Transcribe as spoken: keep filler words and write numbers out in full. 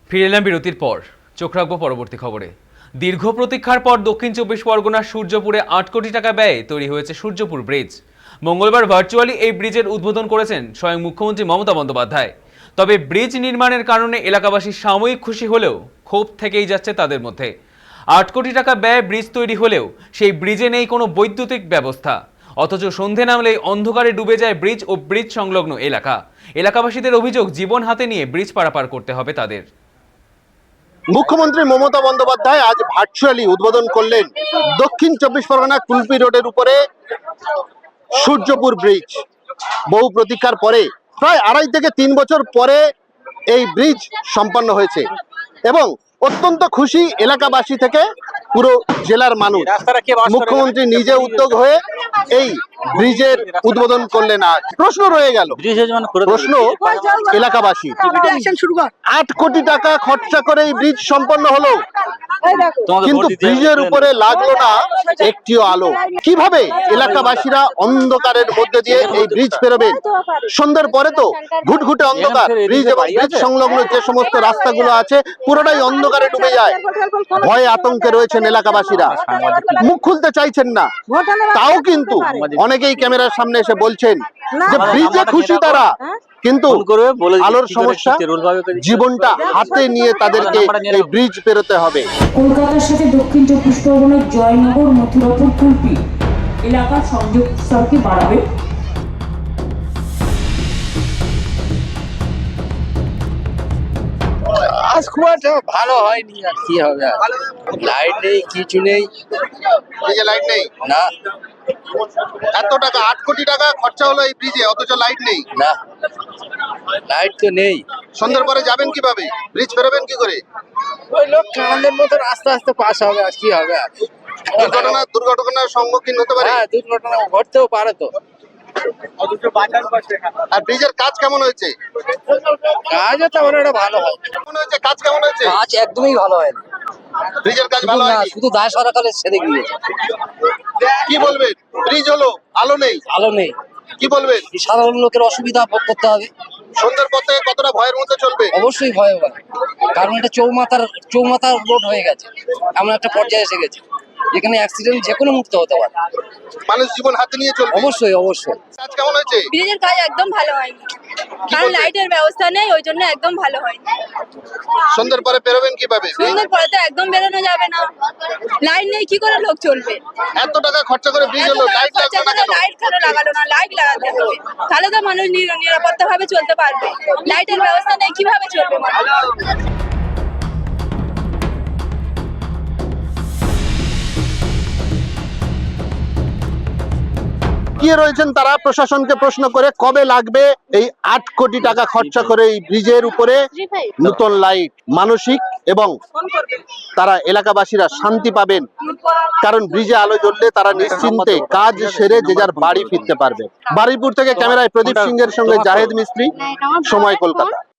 ফিরে এলাম বিরতির পর। চোখ রাখবো পরবর্তী খবরে। দীর্ঘ প্রতীক্ষার পর দক্ষিণ চব্বিশ পরগনার সূর্যপুরে আট কোটি টাকা ব্যয়ে তৈরি হয়েছে সূর্যপুর ব্রিজ। মঙ্গলবার ভার্চুয়ালি এই ব্রিজের উদ্বোধন করেছেন স্বয়ং মুখ্যমন্ত্রী মমতা বন্দ্যোপাধ্যায়। তবে ব্রিজ নির্মাণের কারণে এলাকাবাসী সাময়িক খুশি হলেও ক্ষোভ থেকেই যাচ্ছে তাদের মধ্যে। আট কোটি টাকা ব্যয়ে ব্রিজ তৈরি হলেও সেই ব্রিজে নেই কোনো বৈদ্যুতিক ব্যবস্থা। অথচ সন্ধে নামলেই অন্ধকারে ডুবে যায় ব্রিজ ও ব্রিজ সংলগ্ন এলাকা। এলাকাবাসীদের অভিযোগ, জীবন হাতে নিয়ে ব্রিজ পারাপার করতে হবে তাদের। মুখ্যমন্ত্রী মমতা বন্দ্যোপাধ্যায় আজ ভার্চুয়ালি উদ্বোধন করলেন দক্ষিণ চব্বিশ পরগনা কুলপি রোডের উপরে সূর্যপুর ব্রিজ। বহু প্রতীক্ষার পরে প্রায় আড়াই থেকে তিন বছর পরে এই ব্রিজ সম্পন্ন হয়েছে এবং অত্যন্ত খুশি এলাকাবাসী থেকে পুরো জেলার মানুষ। মুখ্যমন্ত্রী নিজে উদ্যোগ হয়ে এই ব্রিজের উদ্বোধন করলেন। আজ প্রশ্ন রয়ে গেল, প্রশ্ন এলাকাবাসী, আট কোটি টাকা খরচা করে এই ব্রিজ সম্পন্ন হলো, কিন্তু ব্রিজের উপরে লাগলো না একটিও আলো। কিভাবে এলাকাবাসীরা অন্ধকারের মধ্যে দিয়ে এই ব্রিজ পেরোবেন? সন্ধ্যার পরে তো ঘুটঘুটে অন্ধকার। ব্রিজ এবং ব্রিজ সংলগ্ন যে সমস্ত রাস্তাগুলো আছে পুরোটাই অন্ধকারে ডুবে যায়। ভয়ে আতঙ্কে রয়েছেন এলাকাবাসীরা, মুখ খুলতে চাইছেন না। তাও কিন্তু অনেকেই ক্যামেরার সামনে এসে বলছেন যে ব্রিজে খুশি তারা, কিন্তু আলোর সমস্যা, জীবনটা হাতে নিয়ে তাদেরকে এই ব্রিজ পেরোতে হবে। কলকাতার সাথে দক্ষিণ চব্বিশ পরগনার জয়নগর মথুরাপুর কুলপি এলাকার সংযোগ স্তরকে বাড়াবে। আজ খুব একটা ভালো হয়নি, আর কি হবে, লাইট নেই, কিছু নেই। এই যে লাইট নেই, না এত টাকা আট কোটি টাকা খরচা হলো এই ব্রিজে, অথচ লাইট নেই। না লাইট তো নেই। সন্ধ্যার পরে যাবেন কিভাবে? ব্রিজ পেরোবেন কি করে? ওই লোক কাঁদের মতো আস্তে আস্তে পাস হবে, আর কি হবে। দুর্ঘটনা দুর্ঘটনার সম্মুখীন হতে পারে। হ্যাঁ, দুর্ঘটনা ঘটতেও পারে তো। আর ব্রিজের কাজ কেমন হয়েছে? কাজও তেমন একটা ভালো হয়। কেমন হয়েছে কাজ, কেমন হয়েছে? কাজ একদমই ভালো হয় না, ব্রিজের কাজ ভালো হয়নি, শুধু দায় সরকারে ছেড়ে গিয়েছে। কি বলবেন? ব্রিজ হলো, আলো নেই, আলো নেই, কি বলবেন? সাধারণ লোকের অসুবিধা ভোগ করতে হবে। সন্ধ্যার পর থেকে কতটা ভয়ের মধ্যে চলবে? অবশ্যই ভয় হবে, কারণ এটা চৌমাথার চৌমাথার রোড হয়ে গেছে, এমন একটা পর্যায়ে এসে গেছে যেখানে অ্যাক্সিডেন্ট যে কোনো মুহূর্তে হতে পারে। মানুষ জীবন হাতে নিয়ে চলবে। অবশ্যই অবশ্যই। কাজ কেমন হয়েছে? ব্রিজের কাজ একদম ভালো হয়নি, কারণ লাইটের ব্যবস্থা নেই, ওই জন্য একদম ভালো হয়নি। সন্ধ্যার পরে বেরোবেন কিভাবে? সন্ধ্যের পরে তো একদম বেরোনো যাবে না, লাইট নেই, কি করে লোক চলবে? এত টাকা খরচা করে ব্রিজ হলো, লাইট লাগবে না কেন? লাইট কেন লাগালো না? লাইট লাগাতে হবে, তাহলে তো মানুষ নিরাপত্তা ভাবে চলতে পারবে। লাইটের ব্যবস্থা নেই, কিভাবে চলবে মানুষ? কি রয়েছেন তারা প্রশাসনকে প্রশ্ন করে, কবে লাগবে এই আট কোটি টাকা খরচা করে এই ব্রিজের উপরে নতুন লাইট? মানসিক এবং তারা এলাকাবাসীরা শান্তি পাবেন, কারণ ব্রিজে আলো জ্বললে তারা নিশ্চিন্তে কাজ সেরে যে যার বাড়ি ফিরতে পারবে। বারুইপুর থেকে ক্যামেরায় প্রদীপ সিংহের সঙ্গে জাহেদ মিস্ত্রি, সময় কলকাতা।